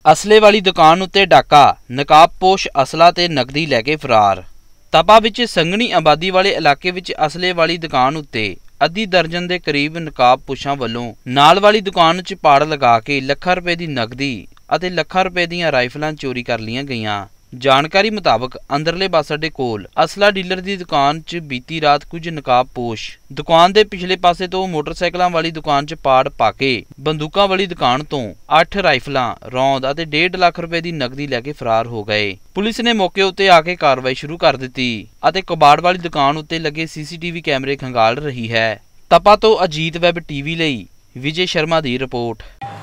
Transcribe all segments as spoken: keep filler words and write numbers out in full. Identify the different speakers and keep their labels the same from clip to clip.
Speaker 1: असले वाली दुकान उत्ते डाका, नकाबपोश असला ते नकदी लैके फरार। तपा विच संघनी आबादी वाले इलाके विच असले वाली दुकान उत्ते अद्धी दर्जन के करीब नकाबपोशां वल्लों नाल वाली दुकान च पाड़ लगा के लखां रुपए की नकदी अते लखां रुपए दीयां राइफलां चोरी कर लियां गईयां। जानकारी मुताबक अंदरले बस अड्डे कोल असला डीलर की दुकान च बीती रात कुछ नकाबपोश दुकान के पिछले पासे तो मोटरसाइकिलों वाली दुकान च पाड़ पाके बंदूकों वाली दुकान तो अठ राइफलां, रौंद अते डेढ़ लाख रुपए की नकदी लैके फरार हो गए। पुलिस ने मौके उत्ते आके कार्रवाई शुरू कर दी अते कबाड़ वाली दुकान उत्ते लगे सीसीटीवी कैमरे खंगाल रही है। तपा तो अजीत वैब टीवी लई विजय शर्मा की रिपोर्ट।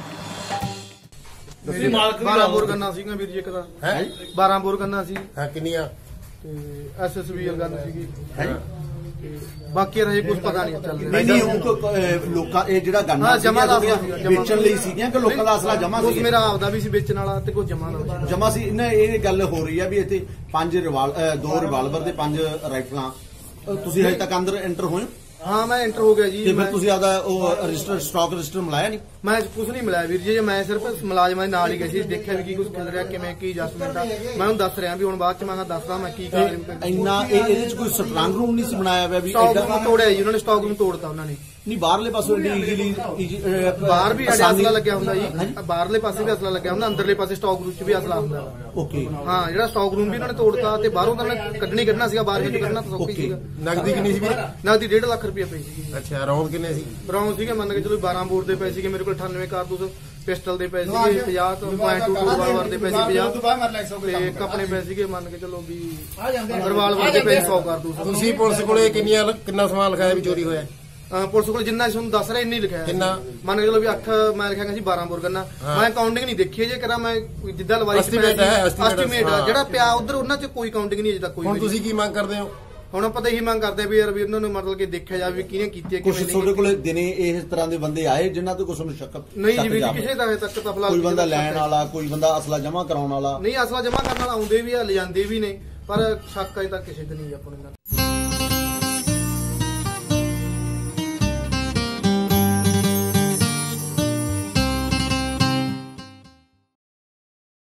Speaker 2: बारह बोर गन्ना सीगा वीर जी एक दा है बारह बोर गन्ना सी
Speaker 3: हां किन्नियां
Speaker 2: ते एसएसबी गन्ना सीगी है बाकी रहे कुछ पता नहीं चल रहा।
Speaker 3: नहीं नहीं ਉਹ ਲੋਕਾਂ ਇਹ ਜਿਹੜਾ ਗੰਨਾ
Speaker 2: ਜਮਾ ਦਾ
Speaker 3: ਵੇਚਣ ਲਈ ਸੀਗੀਆਂ ਕਿ ਲੋਕਾਂ ਦਾ ਅਸਲਾ ਜਮਾ ਸੀ?
Speaker 2: ਕੁਝ ਮੇਰਾ ਆਪਦਾ ਵੀ ਸੀ ਵੇਚਣ ਵਾਲਾ ਤੇ ਕੁਝ ਜਮਾ ਦਾ
Speaker 3: ਜਮਾ ਸੀ। ਨਾ ਇਹ ਗੱਲ ਹੋ ਰਹੀ ਆ ਵੀ ਇੱਥੇ ਪੰਜ ਰਿਵਾਲ ਦੋ ਰਿਵਾਲਵਰ ਤੇ ਪੰਜ ਰਾਈਫਲਾਂ। ਤੁਸੀਂ ਹਜੇ ਤੱਕ ਅੰਦਰ ਐਂਟਰ ਹੋਏ?
Speaker 2: हाँ मैं एंटर हो गया जी।
Speaker 3: ਤੇ ਫਿਰ ਤੁਸੀਂ ਆਦਾ ਉਹ ਰਜਿਸਟਰ ਸਟਾਕ ਰਜਿਸਟਰ ਮਿਲਾਇਆ ਨਹੀਂ?
Speaker 2: मैं कुछ नहीं मिलाया वीर जी, मैं सिर्फ मुलाजमां दे नाल ही गई सी, देखिया भी की कुछ चल रहा किवें की एडजस्टमेंट आ। मैं उन्हें दस रहा भी हुण बाद च मैं दसदा मैं की कर
Speaker 3: ਇੰਨਾ ਇਹਦੇ ਵਿੱਚ ਕੋਈ ਸਟਰੋਂਗ ਰੂਮ ਨਹੀਂ ਸੀ ਬਣਾਇਆ ਹੋਇਆ ਵੀ
Speaker 2: स्टॉक रूम तोड़िया जी उन्होंने, स्टॉक रूम तोड़ता उन्होंने। नहीं
Speaker 3: ਬਾਹਰਲੇ ਪਾਸੋਂ ਈਜ਼ੀਲੀ
Speaker 2: बाहर भी असला लग्या हुंदा जी, बाहरले पासे भी असला लग्या हुंदा, अंदरले पासे स्टॉक रूम च भी असला हुंदा।
Speaker 3: ओके
Speaker 2: हां जेड़ा स्टॉक रूम भी उन्होंने तोड़ता ते बाहरों तो उन्होंने कड्ढनी कड्ढना सीगा, बाहर ਵਿੱਚ ਕੱਢਣਾ ਤਾਂ ਸੌਖੀ ਸੀਗਾ।
Speaker 3: ਨਗਦੀ ਕਿੰਨੀ ਸੀ?
Speaker 2: ਨਗਦੀ डेढ़ लाख रुपया ਪਈ ਸੀ।
Speaker 3: ਅੱਛਾ ਰੌਂਦ ਕਿੰਨੇ ਸੀ?
Speaker 2: ਰੌਂਦ ਸੀਗੇ ਮੰਨ ਕੇ ਚਲੋ ਬਾरह ਬੋਰ ਦੇ ਪਏ ਸੀਗੇ ਮੇਰੇ ਕੋਲ, अठानवे ਕਾਰਤੂਸ पिस्टल ਦੇ ਪਏ ਸੀਗੇ, पचास पॉइंट टू रिवाल्वर ਦੇ ਪਏ ਸੀ पचास ਤੇ ਇੱਕ ਆਪਣੇ ਪਏ ਸੀਗੇ ਮੰਨ ਕੇ ਚਲੋ ਵੀ ਰਿਵਾल्वर ਦੇ ਪਏ सौ ਕਾਰਤੂਸ।
Speaker 3: ਤੁਸੀਂ ਪੁਲਿਸ ਕੋਲੇ ਕਿੰਨੀਆਂ ਕਿੰਨਾ ਸਮਾਨ ਲਿਖਾਇਆ ਵੀ ਚੋਰੀ ਹੋਇਆ?
Speaker 2: ਪੁਲਿਸ ਕੋਲ ਜਿੰਨਾ ਤੁਹਾਨੂੰ ਦੱਸ ਰਿਹਾ ਇੰਨੀ ਲਿਖਿਆ
Speaker 3: ਕਿੰਨਾ
Speaker 2: ਮੰਨ ਕੇ ਚਲੋ ਵੀ ਅੱਠ ਮੈਂ ਲਿਖਿਆ ਸੀ ਬਾरह ਬੋਰ ਗੰਨਾ। ਮੈਂ ਕਾਊਂਟਿੰਗ ਨਹੀਂ ਦੇਖੀ ਜੇ ਕਰਾਂ ਮੈਂ ਜਿੱਦਾਂ ਲਵਾਈ
Speaker 3: ਐਸਟੀਮੇਟ ਹੈ
Speaker 2: ਐਸਟੀਮੇਟ ਜਿਹੜਾ ਪਿਆ ਉਧਰ ਉਹਨਾਂ ਚ ਕੋਈ ਕਾਊਂਟਿੰਗ ਨਹੀਂ ਅਜੇ ਤੱਕ ਕੋਈ।
Speaker 3: ਹੁਣ ਤੁਸੀਂ ਕੀ ਮੰਗ ਕਰਦੇ ਹੋ?
Speaker 2: ਹੁਣ ਆਪਾਂ ਤਾਂ ਇਹੀ ਮੰਗ ਕਰਦੇ ਵੀ ਯਾਰ ਵੀ ਇਹਨਾਂ ਨੂੰ ਮਤਲਬ ਕਿ ਦੇਖਿਆ ਜਾਵੇ ਵੀ ਕਿਹਨੇ ਕੀਤੀ ਹੈ
Speaker 3: ਕੁਝ ਤੁਹਾਡੇ ਕੋਲੇ ਦਿਨੇ ਇਸ ਤਰ੍ਹਾਂ ਦੇ ਬੰਦੇ ਆਏ ਜਿਨ੍ਹਾਂ ਤੋਂ ਕੁਝ ਨੂੰ ਸ਼ੱਕ
Speaker 2: ਨਹੀਂ ਜੀ ਵੀ ਕਿਸੇ ਦਾ ਹਜੇ ਤੱਕ ਤਾਂ ਫਿਲਹਾਲ
Speaker 3: ਕੋਈ ਬੰਦਾ ਲੈਣ ਵਾਲਾ, ਕੋਈ ਬੰਦਾ ਅਸਲਾ ਜਮ੍ਹਾਂ ਕਰਾਉਣ ਵਾਲਾ?
Speaker 2: ਨਹੀਂ ਅਸਲਾ ਜਮ੍ਹਾਂ ਕਰਨ ਵਾਲਾ ਆਉਂਦੇ ਵੀ ਆ, ਲਿਜਾਂਦੇ ਵੀ ਨੇ, ਪਰ ਸ਼ੱਕ ਅਜੇ ਤੱਕ ਕਿਸੇ ਤੇ ਨਹੀਂ ਆਪਾਂ ਨੂੰ।